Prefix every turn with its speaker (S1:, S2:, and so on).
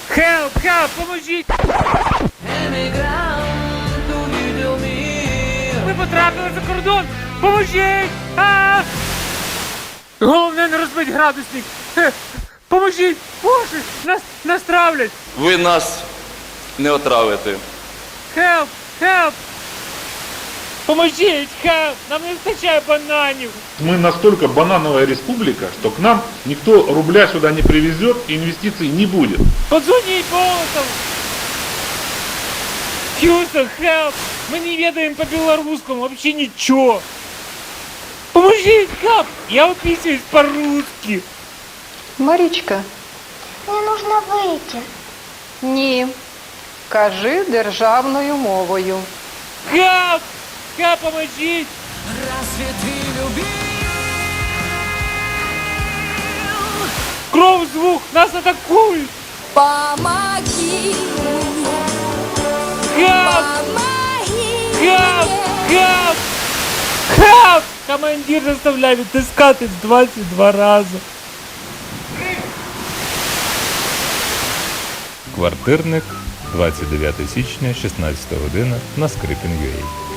S1: Help, help, поможіть! Ми потрапили за кордон! Поможіть! А! Головне не розбить градусник! Поможіть! Боже! Нас травлять!
S2: Ви нас не отравите.
S1: Help! Help! Поможіть! Help! Нам не вистачає бананів!
S3: Мы настолько банановая республика, что к нам никто рубля сюда не привезет и инвестиций не будет.
S1: Подзвоніть Болотов! Хьюстон, help! Мы не ведаем по-белорусскому вообще ничего! Поможіть, help! Я уписываюсь по-русски!
S4: Марічка,
S5: Мне нужно выйти.
S4: ні. Кажи державною мовою.
S1: Help! Help, поможіть! Кров, звук! Нас атакують!
S6: Помоги,
S1: Help!
S6: помоги
S1: Help!
S6: мне.
S1: Help! Help! Командир заставляє відтискати 22 рази.
S7: Квартирник, 29 січня, 16 година на Скрипін.ua.